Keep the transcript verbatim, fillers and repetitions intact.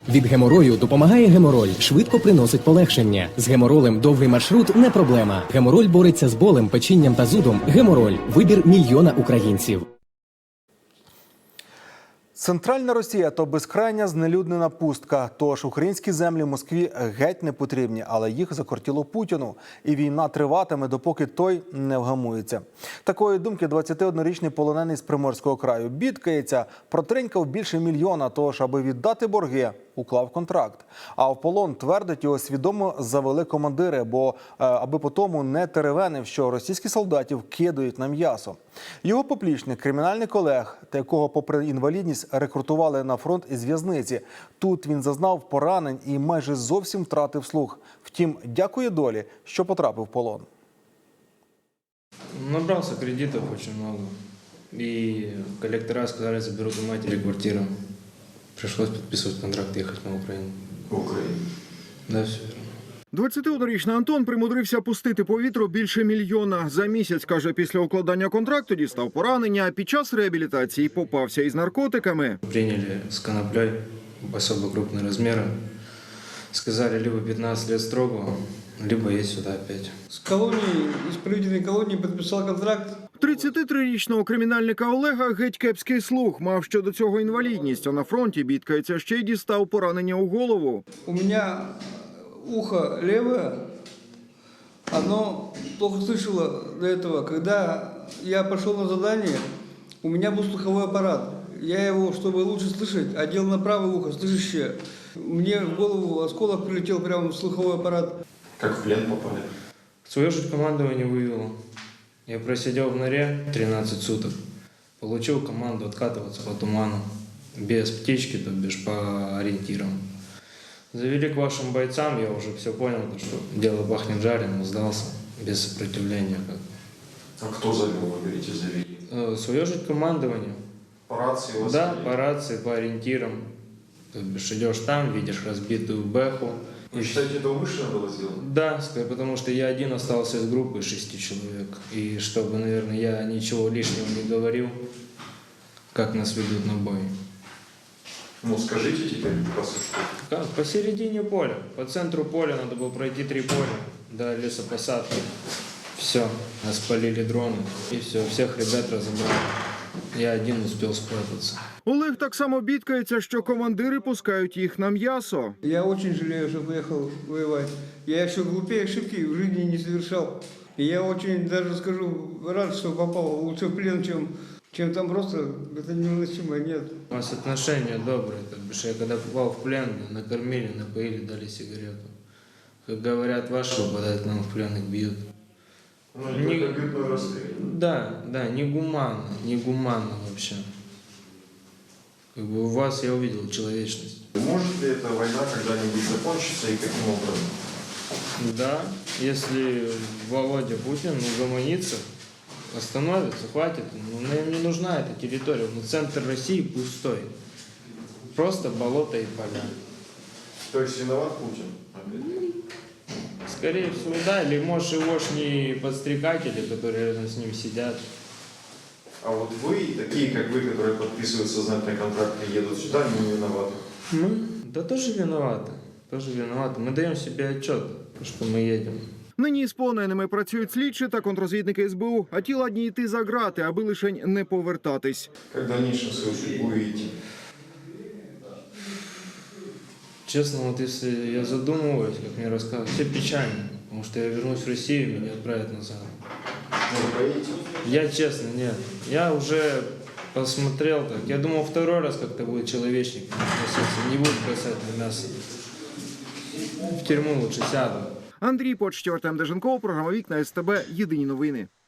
Від геморою допомагає гемороль, швидко приносить полегшення. З геморолем довгий маршрут не проблема. Гемороль бореться з болем, печінням та зудом. Гемороль – вибір мільйона українців. Центральна Росія – то безкрайня знелюднена пустка. Тож українські землі Москві геть не потрібні, але їх закортіло Путіну. І війна триватиме, допоки той не вгамується. Такої думки двадцятиоднорічний полонений з Приморського краю бідкається, протринькав більше мільйона, тож, аби віддати борги, уклав контракт. А в полон, твердить, його свідомо завели командири, бо аби по тому не теревенив, що російські солдатів кидають на м'ясо. Його поплічник, кримінальний колег, та якого попри інвалідність рекрутували на фронт із в'язниці. Тут він зазнав поранень і майже зовсім втратив слух. Втім, дякує долі, що потрапив в полон. Набрался кредитов очень много. И коллектора сказали, заберут у матери квартиру. Пришлось подписывать контракт, ехать на Украину. В Україну? Да, все верно. двадцятиоднорічний Антон примудрився пустити по вітру більше мільйона. За місяць, каже, після укладання контракту дістав поранення, а під час реабілітації попався із наркотиками. Приняли с коноплей особо крупные размеры. Сказали, либо пятнадцать лет строго, либо едь сюда опять. С колонии, исправительной колонии подписал контракт. тридцятитрирічного кримінальника Олега геть кепський слух. Мав щодо цього інвалідність, а на фронті бідкається, ще й дістав поранення у голову. У меня ухо левое, оно плохо слышало до этого. Когда я пошел на задание, у меня был слуховой аппарат. Я его, чтобы лучше слышать, одел на правое ухо, слышащее. Мне в голову осколок прилетел прямо в слуховой аппарат. Как в плен попали? Свое же командование вывело. Я просидел в норе тринадцать суток. Получил команду откатываться по туману. Без птички, то бишь по ориентирам. Завели к вашим бойцам, я уже все понял, что дело пахнет жареным, сдался без сопротивления. А кто завел, вы говорите, завели? Свое же командование. По рации вас Да, завели? по рации, по ориентирам. То бишь идешь там, видишь разбитую бэху. Вы считаете, это умышленно было сделано? Да, потому что я один остался из группы шести человек. И чтобы, наверное, я ничего лишнего не говорил, как нас ведут на бой. Ну, скажите теперь, по сути, что. Как? Посередине поля. По центру поля надо было пройти три поля до лесопосадки. Все, нас полили дроны. И все, всех ребят разобрали. Я один успел спрятаться. Олег так само бідкається, що командири пускають їх на м'ясо. Я очень жалею, что поехал воевать. Я еще глупее ошибки в жизни не совершал. И я очень, даже скажу, рад, что попал лучше в плен, чем, чем там просто. Это невыносимо, нет. У нас отношения добрые. То бишь, я когда попал в плен, меня накормили, напоили, дали сигарету. Как говорят, ваши попадают к нам в плен, их бьют. Ну, не Не- только бьют, но и расстреливают. Да, да, негуманно, негуманно вообще. Как бы у вас я увидел человечность. Может ли эта война когда-нибудь закончиться и каким образом? Да, если Володя Путин угомонится, остановится, хватит, ну, нам не нужна эта территория, ну, центр России пустой. Просто болото и поля. То есть виноват Путин? Опять? Скорее всего, да, или может егошние подстрекатели, которые рядом с ним сидят. А вот вы, такие как вы, которые подписывают сознательные контракты и едут сюда, они не виноваты. Мы? Да тоже виноваты, тоже виноваты. Мы даем себе отчет, что мы едем. Нині з полоненими працюють слідчі та контрозвідники ес бе у, а ті ладні йти за грати, аби лишень не повертатись. Как в дальнейшем свою судьбу видите? Честно, вот если я задумываюсь, как мне рассказывают, все печально, потому что я вернусь в Россию, меня отправят назад. Ну, вы боитесь? Я честно, нет. Я уже посмотрел так. Я думал, второй раз как-то будет человечник относиться, не будет бросать на мясо. В тюрьму лучше сяду. Андрій Почтєв, Артем Деженков, програма «Вікна ес те бе», єдині новини.